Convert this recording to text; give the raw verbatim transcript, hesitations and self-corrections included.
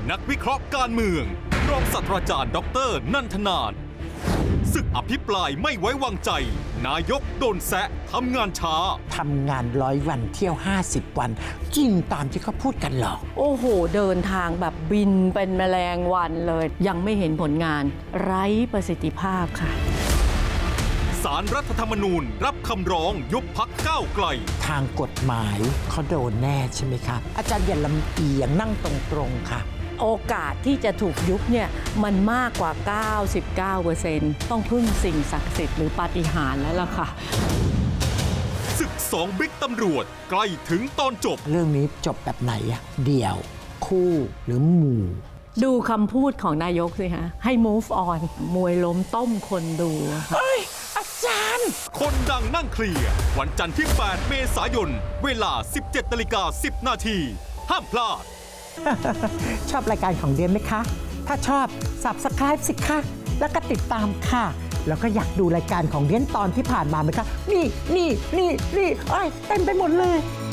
นักวิเคราะห์การเมืองรองศาสตราจารย์ดรนันทนานศึกอภิปรายไม่ไว้วางใจนายกโดนแซะทำงานช้าทำงานร้อยวันเที่ยวห้าสิบวันจริงตามที่เขาพูดกันหรอโอ้โหเดินทางแบบบินเป็นแมลงวันเลยยังไม่เห็นผลงานไร้ประสิทธิภาพค่ะศาลรัฐธรรมนูญรับคำร้องยุบพรรคก้าวไกลทางกฎหมายเขาโดนแน่ใช่ไหมครับอาจารย์อย่าลำเอียงนั่งตรงๆค่ะโอกาสที่จะถูกยุบเนี่ยมันมากกว่า เก้าสิบเก้าเปอร์เซ็นต์ ต้องพึ่งสิ่งศักดิ์สิทธิ์หรือปาฏิหาริย์แล้วล่ะค่ะศึกสองบิ๊กตำรวจใกล้ถึงตอนจบเรื่องนี้จบแบบไหนอะเดี่ยวคู่หรือหมู่ดูคำพูดของนายกสิฮะให้ move on มวยล้มต้มคนดูเฮ้ยอาจารย์คนดังนั่งเคลียร์วันจันทร์ที่แปดเมษายนเวลา สิบเจ็ดนาฬิกาสิบนาทีห้ามพลาดชอบรายการของเดียนไหมคะ ถ้าชอบ Subscribe สิคะแล้วก็ติดตามค่ะ แล้วก็อยากดูรายการของเดียนตอนที่ผ่านมาไหมคะ นี่นี่นี่นี่เอ้ยเต็มไปหมดเลย